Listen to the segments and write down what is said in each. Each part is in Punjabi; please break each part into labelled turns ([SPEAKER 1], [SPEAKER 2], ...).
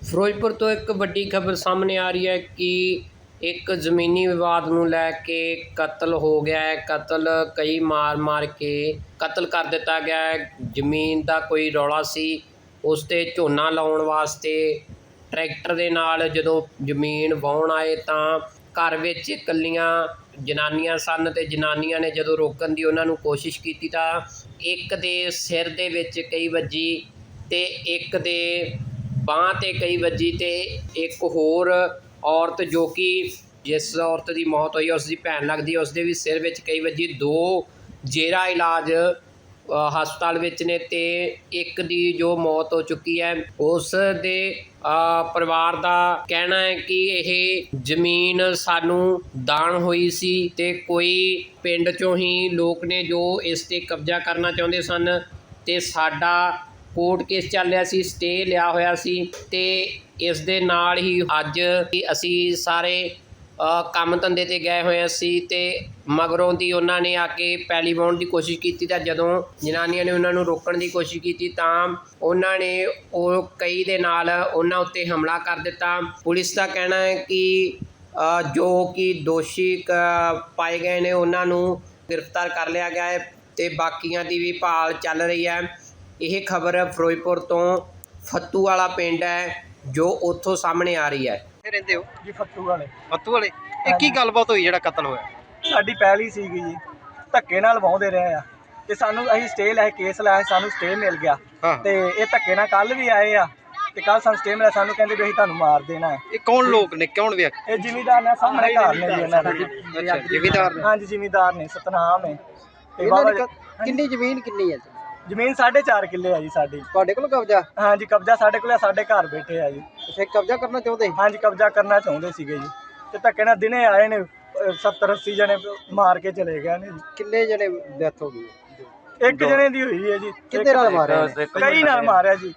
[SPEAKER 1] ਫਿਰੋਜ਼ਪੁਰ ਤੋਂ ਇੱਕ ਵੱਡੀ ਖਬਰ ਸਾਹਮਣੇ ਆ ਰਹੀ ਹੈ ਕਿ ਇੱਕ ਜ਼ਮੀਨੀ ਵਿਵਾਦ ਨੂੰ ਲੈ ਕੇ ਕਤਲ ਹੋ ਗਿਆ ਹੈ। ਕਤਲ ਕਈ ਮਾਰ ਕੇ ਕਤਲ ਕਰ ਦਿੱਤਾ ਗਿਆ ਹੈ। ਜ਼ਮੀਨ ਦਾ ਕੋਈ ਰੌਲਾ ਸੀ, ਉਸ 'ਤੇ ਝੋਨਾ ਲਾਉਣ ਵਾਸਤੇ ਟਰੈਕਟਰ ਦੇ ਨਾਲ ਜਦੋਂ ਜ਼ਮੀਨ ਵਾਹੁਣ ਆਏ ਤਾਂ ਘਰ ਵਿੱਚ ਇਕੱਲੀਆਂ ਜਨਾਨੀਆਂ ਸਨ ਅਤੇ ਜਨਾਨੀਆਂ ਨੇ ਜਦੋਂ ਰੋਕਣ ਦੀ ਉਹਨਾਂ ਨੂੰ ਕੋਸ਼ਿਸ਼ ਕੀਤੀ ਤਾਂ ਇੱਕ ਦੇ ਸਿਰ ਦੇ ਵਿੱਚ ਕਈ ਵੱਜੀ ਅਤੇ ਇੱਕ ਦੇ ਬਾਂਹ 'ਤੇ ਕਈ ਵੱਜੀ ਅਤੇ ਇੱਕ ਹੋਰ ਔਰਤ ਜੋ ਕਿ ਜਿਸ ਔਰਤ ਦੀ ਮੌਤ ਹੋਈ ਉਸ ਦੀ ਭੈਣ ਲੱਗਦੀ ਹੈ, ਉਸ ਦੇ ਵੀ ਸਿਰ ਵਿੱਚ ਕਈ ਵੱਜੀ। 2 ਜੇਰਾ ਇਲਾਜ ਹਸਪਤਾਲ ਵਿੱਚ ਨੇ ਅਤੇ ਇੱਕ ਦੀ ਜੋ ਮੌਤ ਹੋ ਚੁੱਕੀ ਹੈ। ਉਸ ਦੇ ਪਰਿਵਾਰ ਦਾ ਕਹਿਣਾ ਹੈ ਕਿ ਇਹ ਜ਼ਮੀਨ ਸਾਨੂੰ ਦਾਨ ਹੋਈ ਸੀ ਅਤੇ ਕੋਈ ਪਿੰਡ 'ਚੋਂ ਹੀ ਲੋਕ ਨੇ ਜੋ ਇਸ 'ਤੇ ਕਬਜ਼ਾ ਕਰਨਾ ਚਾਹੁੰਦੇ ਸਨ ਅਤੇ ਸਾਡਾ ਕੋਰਟ ਕੇਸ ਚੱਲ ਰਿਹਾ ਸੀ, ਸਟੇ ਲਿਆ ਹੋਇਆ ਸੀ ਅਤੇ ਇਸ ਦੇ ਨਾਲ ਹੀ ਅੱਜ ਅਸੀਂ ਸਾਰੇ ਕੰਮ ਧੰਦੇ 'ਤੇ ਗਏ ਹੋਏ ਸੀ ਅਤੇ ਮਗਰੋਂ ਦੀ ਉਹਨਾਂ ਨੇ ਆ ਕੇ ਪੈਲੀ ਵਾਹੁਣ ਦੀ ਕੋਸ਼ਿਸ਼ ਕੀਤੀ ਤਾਂ ਜਦੋਂ ਜਨਾਨੀਆਂ ਨੇ ਉਹਨਾਂ ਨੂੰ ਰੋਕਣ ਦੀ ਕੋਸ਼ਿਸ਼ ਕੀਤੀ ਤਾਂ ਉਹਨਾਂ ਨੇ ਉਹ ਕਈ ਦੇ ਨਾਲ ਉਹਨਾਂ ਉੱਤੇ ਹਮਲਾ ਕਰ ਦਿੱਤਾ। ਪੁਲਿਸ ਦਾ ਕਹਿਣਾ ਹੈ ਕਿ ਜੋ ਕਿ ਦੋਸ਼ੀ ਪਾਏ ਗਏ ਨੇ ਉਹਨਾਂ ਨੂੰ ਗ੍ਰਿਫਤਾਰ ਕਰ ਲਿਆ ਗਿਆ ਹੈ ਅਤੇ ਬਾਕੀਆਂ ਦੀ ਵੀ ਭਾਲ ਚੱਲ ਰਹੀ ਹੈ। ਇਹ ਖਬਰ ਫਿਰੋਜ਼ਪੁਰ ਤੋਂ ਫੱਤੂ ਵਾਲਾ ਪਿੰਡ ਹੈ ਜੋ ਉੱਥੋਂ ਸਾਹਮਣੇ ਆ ਰਹੀ ਹੈ।
[SPEAKER 2] ਰਹਿੰਦੇ ਹੋ
[SPEAKER 3] ਜੀ ਫੱਤੂ ਵਾਲੇ।
[SPEAKER 2] ਫੱਤੂ ਵਾਲੇ ਇਹ ਕੀ ਗੱਲਬਾਤ ਹੋਈ ਜਿਹੜਾ ਕਤਲ ਹੋਇਆ?
[SPEAKER 3] ਸਾਡੀ ਪਹਿਲੀ ਸੀਗੀ ਜੀ, ਧੱਕੇ ਨਾਲ ਵਾਹੁੰਦੇ ਰਹੇ ਆ ਤੇ ਸਾਨੂੰ ਅਸੀਂ ਸਟੇ ਲੈ ਕੇਸ ਲਾਇਆ, ਸਾਨੂੰ ਸਟੇ ਮਿਲ ਗਿਆ ਤੇ ਇਹ ਧੱਕੇ ਨਾਲ ਕੱਲ ਵੀ ਆਏ ਆ ਤੇ ਕੱਲ ਸਾਨੂੰ ਸਟੇ ਮਿਲਿਆ, ਸਾਨੂੰ ਕਹਿੰਦੇ ਵੀ ਅਸੀਂ ਤੁਹਾਨੂੰ ਮਾਰ ਦੇਣਾ ਹੈ।
[SPEAKER 2] ਇਹ ਕੌਣ ਲੋਕ ਨੇ, ਕੌਣ ਵਿਅਕਤੀ?
[SPEAKER 3] ਇਹ ਜ਼ਿਮੀਦਾਰ ਨੇ, ਸਾਹਮਣੇ ਘਰ ਨੇ ਜੀ ਇਹਨਾਂ ਦੇ।
[SPEAKER 2] ਅੱਛਾ, ਜ਼ਿਮੀਦਾਰ ਨੇ।
[SPEAKER 3] ਹਾਂਜੀ ਜ਼ਿਮੀਦਾਰ ਨੇ, ਸਤਨਾਮ ਹੈ।
[SPEAKER 2] ਕਿੰਨੀ ਜ਼ਮੀਨ ਕਿੰਨੀ ਹੈ?
[SPEAKER 3] ਜ਼ਮੀਨ 4.5 ਕਿੱਲੇ ਆ ਜੀ ਸਾਡੀ।
[SPEAKER 2] ਤੁਹਾਡੇ ਕੋਲ ਕਬਜ਼ਾ?
[SPEAKER 3] ਹਾਂਜੀ ਕਬਜ਼ਾ ਸਾਡੇ ਕੋਲ, ਸਾਡੇ ਘਰ ਬੈਠੇ ਆ ਜੀ।
[SPEAKER 2] ਤੁਸੀਂ ਕਬਜ਼ਾ ਕਰਨਾ ਚਾਹੁੰਦੇ?
[SPEAKER 3] ਹਾਂਜੀ ਕਬਜ਼ਾ ਕਰਨਾ ਚਾਹੁੰਦੇ ਸੀਗੇ ਜੀ ਤੇ ਧੱਕੇ ਨਾਲ ਦਿਨੇ ਆਏ ਨੇ 70-80 ਜਣੇ ਮਾਰ ਕੇ ਚਲੇ ਗਏ ਨੇ ਜੀ।
[SPEAKER 2] ਕਿੰਨੇ ਜਣੇ ਡੈਥ ਹੋ ਗਈ?
[SPEAKER 3] ਇੱਕ ਜਣੇ ਦੀ ਹੋਈ ਹੈ ਜੀ।
[SPEAKER 2] ਕਿੰਨੇ ਨਾਲ ਮਾਰਿਆ?
[SPEAKER 3] ਕਈ ਨਾਲ ਮਾਰਿਆ ਜੀ,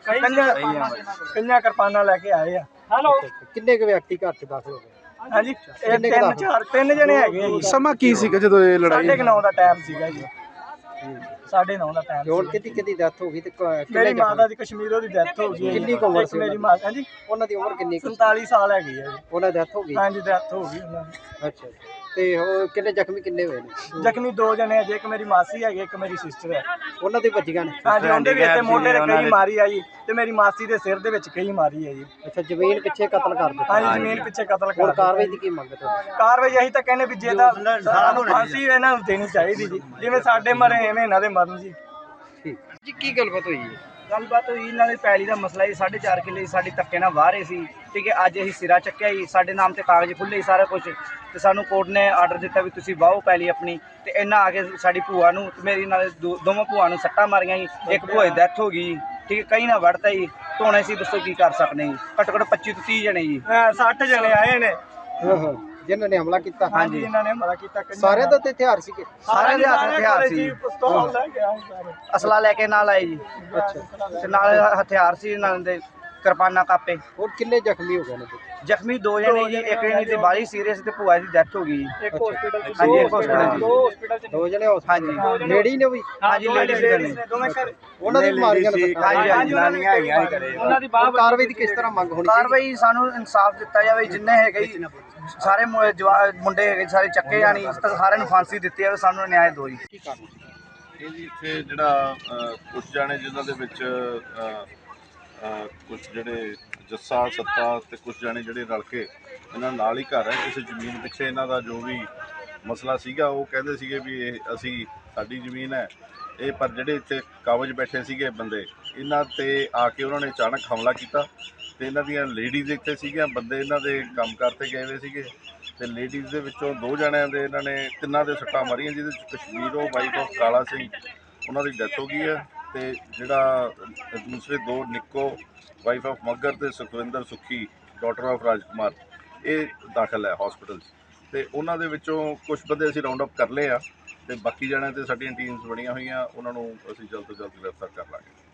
[SPEAKER 3] ਕਈਆਂ ਕਿਰਪਾਨਾਂ ਲੈ ਕੇ ਆਏ ਆ।
[SPEAKER 2] ਕਿੰਨੇ ਕੁ ਵਿਅਕਤੀ ਘਰ 'ਚ ਦਾਖਲ ਹੋ ਗਏ?
[SPEAKER 3] ਹਾਂਜੀ ਤਿੰਨ ਜਣੇ ਹੈਗੇ ਆ ਜੀ।
[SPEAKER 4] ਸਮਾਂ ਕੀ ਸੀਗਾ ਜਦੋਂ ਇਹ ਲੜਾਈ?
[SPEAKER 3] 9:30 ਦਾ ਟਾਈਮ ਸੀਗਾ ਜੀ। 9:30 ਦਾ ਟਾਈਮ।
[SPEAKER 2] ਹੁਣ ਕਿਹਦੀ ਡੈਥ ਹੋ ਗਈ ਤੇ
[SPEAKER 3] ਮੇਰੀ ਮਾਤਾ ਦੀ ਕਸ਼ਮੀਰੋਂ ਦੀ ਡੈਥ ਹੋ ਗਈ।
[SPEAKER 2] ਕਿੰਨੀ ਕੁ ਉਮਰ ਸੀ
[SPEAKER 3] ਮੇਰੀ ਮਾਤਾ? ਹਾਂਜੀ
[SPEAKER 2] ਉਹਨਾਂ ਦੀ ਉਮਰ ਕਿੰਨੀ?
[SPEAKER 3] 47 ਸਾਲ ਹੈਗੀ ਹੈ ਜੀ।
[SPEAKER 2] ਉਹਨਾਂ ਦੀ ਡੈਥ ਹੋ ਗਈ?
[SPEAKER 3] ਹਾਂਜੀ ਡੈਥ ਹੋ ਗਈ ਉਹਨਾਂ ਦੀ।
[SPEAKER 2] ਅੱਛਾ ਤੇ ਉਹ ਕਿੰਨੇ ਜ਼ਖਮੀ ਕਿੰਨੇ ਹੋਏ ਨੇ?
[SPEAKER 3] ਜ਼ਖਮੀ 2 ਜਣੇ ਹੈ ਜੀ, ਇੱਕ ਮੇਰੀ ਮਾਸੀ ਹੈਗੀ, ਇੱਕ ਮੇਰੀ ਸਿਸਟਰ ਹੈ।
[SPEAKER 2] ਉਹਨਾਂ ਦੀ ਵੱਜੀਆਂ ਨੇ?
[SPEAKER 3] ਹਾਂਜੀ ਉਹਦੇ ਵੀ ਇੱਥੇ ਮੋਢੇ ਤੇ ਕਈ ਮਾਰੀ ਆ ਜੀ ਤੇ ਮੇਰੀ ਮਾਸੀ ਦੇ ਸਿਰ ਦੇ ਵਿੱਚ ਕਈ ਮਾਰੀ ਹੈ ਜੀ।
[SPEAKER 2] ਅੱਛਾ, ਜ਼ਮੀਨ ਪਿੱਛੇ ਕਤਲ ਕਰ ਦਿੱਤਾ?
[SPEAKER 3] ਹਾਂਜੀ ਜ਼ਮੀਨ ਪਿੱਛੇ ਕਤਲ ਕਰ।
[SPEAKER 2] ਹੁਣ ਕਾਰਵਾਈ ਦੀ ਕੀ ਮੰਗ ਤੁਹਾਡੀ?
[SPEAKER 3] ਕਾਰਵਾਈ ਅਸੀਂ ਤਾਂ ਕਹਿੰਦੇ ਵੀ ਜੇ ਤਾਂ ਸਾਨੂੰ ਫਾਂਸੀ ਇਹਨਾਂ ਨੂੰ ਦੇਣੀ ਚਾਹੀਦੀ ਜੀ, ਜਿਵੇਂ ਸਾਡੇ ਮਰੇ ਐਵੇਂ ਇਹਨਾਂ ਦੇ ਮਰਨ ਜੀ।
[SPEAKER 2] ਠੀਕ ਜੀ, ਕੀ ਗੱਲਬਾਤ ਹੋਈ ਹੈ?
[SPEAKER 3] ਗੱਲਬਾਤ ਹੋਈ ਇਹਨਾਂ ਦੇ ਪੈਲੀ ਦਾ ਮਸਲਾ ਹੀ 4.5 ਕਿੱਲੇ ਸਾਡੀ ਧੱਕੇ ਨਾਲ ਵਾਹ ਰਹੇ ਸੀ। ਠੀਕ ਹੈ, ਅੱਜ ਅਸੀਂ ਸਿਰਾ ਚੱਕਿਆ ਜੀ, ਸਾਡੇ ਨਾਮ ਤੇ ਕਾਗਜ਼ ਖੁੱਲੇ ਹੀ ਸਾਰਾ ਕੁਝ ਤੇ ਸਾਨੂੰ ਕੋਰਟ ਨੇ ਆਰਡਰ ਦਿੱਤਾ ਵੀ ਤੁਸੀਂ ਵਾਹੋ ਪੈਲੀ ਆਪਣੀ ਤੇ ਇਹਨਾਂ ਆ ਕੇ ਸਾਡੀ ਭੂਆ ਨੂੰ ਤੇ ਮੇਰੀ ਨਾਲ ਦੋਵਾਂ ਭੂਆ ਨੂੰ ਸੱਟਾਂ ਮਾਰੀਆਂ ਜੀ। ਇੱਕ ਭੂਆ ਦੀ ਡੈਥ ਹੋ ਗਈ। ਠੀਕ ਹੈ, ਕਈ ਨਾ ਵੜਤਾ ਜੀ। ਧੋਣੇ ਸੀ, ਦੱਸੋ ਕੀ ਕਰ ਸਕਦੇ ਜੀ? ਘੱਟੋ ਘੱਟ 25 ਤੋਂ 30 ਜਣੇ ਜੀ। 60 ਜਣੇ ਆਏ ਨੇ
[SPEAKER 2] ਜਿਨ੍ਹਾਂ ਨੇ ਹਮਲਾ ਕੀਤਾ?
[SPEAKER 3] ਹਾਂਜੀ ਇਹਨਾਂ ਨੇ ਹਮਲਾ ਕੀਤਾ।
[SPEAKER 2] ਸਾਰਿਆਂ ਦਾ ਤੇ ਹਥਿਆਰ ਸੀ?
[SPEAKER 3] ਸਾਰਿਆਂ ਦੇ ਹੱਥ ਹਥਿਆਰ ਸੀ। ਪਿਸਤੌਲ ਲੈ ਕੇ ਆਏ ਸਾਰੇ, ਅਸਲਾ ਲੈ ਕੇ ਨਾਲ ਆਏ ਜੀ।
[SPEAKER 2] ਅੱਛਾ,
[SPEAKER 3] ਤੇ ਨਾਲ ਹਥਿਆਰ ਸੀ ਨਾਲ ਦੇ, ਕਿਰਪਾਨਾਂ ਕਾਪੇ।
[SPEAKER 2] ਹੋਰ ਕਿੰਨੇ ਜ਼ਖਮੀ ਹੋ ਗਏ ਨੇ?
[SPEAKER 3] ਜ਼ਖਮੀ 2 ਜਣੇ ਜੀ, ਇੱਕ ਜਣੇ ਦੀ ਬਾਲੀ ਸੀਰੀਅਸ ਤੇ ਭੂਆ ਦੀ ਡੈਥ ਹੋ ਗਈ। ਇੱਕ ਹਸਪੀਟਲ ਚ, ਹਾਂਜੀ ਇੱਕ ਹਸਪੀਟਲ ਚ
[SPEAKER 2] 2 ਜਣੇ
[SPEAKER 3] ਹਾਂਜੀ
[SPEAKER 2] ਲੇਡੀ ਨੇ ਵੀ?
[SPEAKER 3] ਹਾਂਜੀ ਲੇਡੀਜ਼ ਨੇ ਦੋਵੇਂ ਘਰ।
[SPEAKER 2] ਉਹਨਾਂ ਦੀ ਮਾਰੀਆਂ ਨੇ?
[SPEAKER 3] ਹਾਂਜੀ ਜਨਾਨੀਆਂ ਹੈਗੀਆਂ ਘਰੇ। ਉਹਨਾਂ ਦੀ ਬਾਹ।
[SPEAKER 2] ਕਾਰਵਾਈ ਦੀ ਕਿਸ ਤਰ੍ਹਾਂ ਮੰਗ ਹੋਣੀ?
[SPEAKER 3] ਕਾਰਵਾਈ ਸਾਨੂੰ ਇਨਸਾਫ ਦਿੱਤਾ ਜਾਵੇ, ਜਿੰਨੇ ਹੈਗੇ ਜੀ ਸਾਰੇ ਮੁੰਡੇ ਹੈਗੇ ਸਾਰੇ ਚੱਕੇ ਜਾਣੀ, ਸਾਰਿਆਂ ਨੂੰ ਫਾਂਸੀ ਦਿੱਤੀ ਜਾਵੇ, ਸਾਨੂੰ ਨਿਆਂ ਦਿਓ ਜੀ।
[SPEAKER 5] ਇਹ ਜੀ ਇੱਥੇ ਜਿਹੜਾ ਕੁਝ ਜਾਣੇ ਜਿਨ੍ਹਾਂ ਦੇ ਵਿੱਚ ਕੁਝ ਜਿਹੜੇ ਜੱਸਾ ਸੱਤਾ ਤੇ ਕੁਝ ਜਾਣੇ ਜਿਹੜੇ ਰਲ ਕੇ ਇਹਨਾਂ ਨਾਲ ਹੀ ਘਰ ਹੈ, ਕਿਸੇ ਜ਼ਮੀਨ ਪਿੱਛੇ ਇਹਨਾਂ ਦਾ ਜੋ ਵੀ ਮਸਲਾ ਸੀਗਾ ਉਹ ਕਹਿੰਦੇ ਸੀਗੇ ਵੀ ਇਹ ਅਸੀਂ ਸਾਡੀ ਜ਼ਮੀਨ ਹੈ ਇਹ, ਪਰ ਜਿਹੜੇ ਇੱਥੇ ਕਾਬਜ ਬੈਠੇ ਸੀਗੇ ਬੰਦੇ ਇਹਨਾਂ ਤੇ ਆ ਕੇ ਉਹਨਾਂ ਨੇ ਅਚਾਨਕ ਹਮਲਾ ਕੀਤਾ ਤੇ ਇਹਨਾਂ ਦੀਆਂ ਲੇਡੀਜ਼ ਇੱਥੇ ਸੀਗੀਆਂ, ਬੰਦੇ ਇਹਨਾਂ ਦੇ ਕੰਮ ਕਰਤੇ ਗਏ ਹੋਏ ਸੀਗੇ ਤੇ ਲੇਡੀਜ਼ ਦੇ ਵਿੱਚੋਂ 2 ਜਣਿਆਂ ਦੇ ਇਹਨਾਂ ਨੇ 3 ਦੇ ਸੱਟਾਂ ਮਾਰੀਆਂ, ਜਿਹਦੇ ਵਿੱਚ ਕਸ਼ਮੀਰੋਂ ਵਾਈਫ ਆਫ ਕਾਲਾ ਸਿੰਘ ਉਹਨਾਂ ਦੀ ਡੈਥ ਹੋ ਗਈ ਹੈ ਤੇ ਜਿਹੜਾ ਦੂਸਰੇ 2 ਨਿੱਕੋ ਵਾਈਫ ਆਫ ਮੱਗਰ ਤੇ ਸੁਖਵਿੰਦਰ ਸੁੱਖੀ ਡਾਟਰ ਆਫ ਰਾਜਕੁਮਾਰ ਇਹ ਦਾਖਲ ਹੈ ਹਸਪੀਟਲ ਤੇ ਉਹਨਾਂ ਦੇ ਵਿੱਚੋਂ ਕੁਝ ਬੰਦੇ ਅਸੀਂ ਰਾਉਂਡ ਅਪ ਕਰ ਲਏ ਆ ਤੇ ਬਾਕੀ ਜਣਿਆਂ ਤੇ ਸਾਡੀਆਂ ਟੀਮਸ ਬਣੀਆਂ ਹੋਈਆਂ, ਉਹਨਾਂ ਨੂੰ ਅਸੀਂ ਜਲਦ ਤੋਂ ਜਲਦ ਗ੍ਰਿਫਤਾਰ ਕਰ ਲਾਂਗੇ।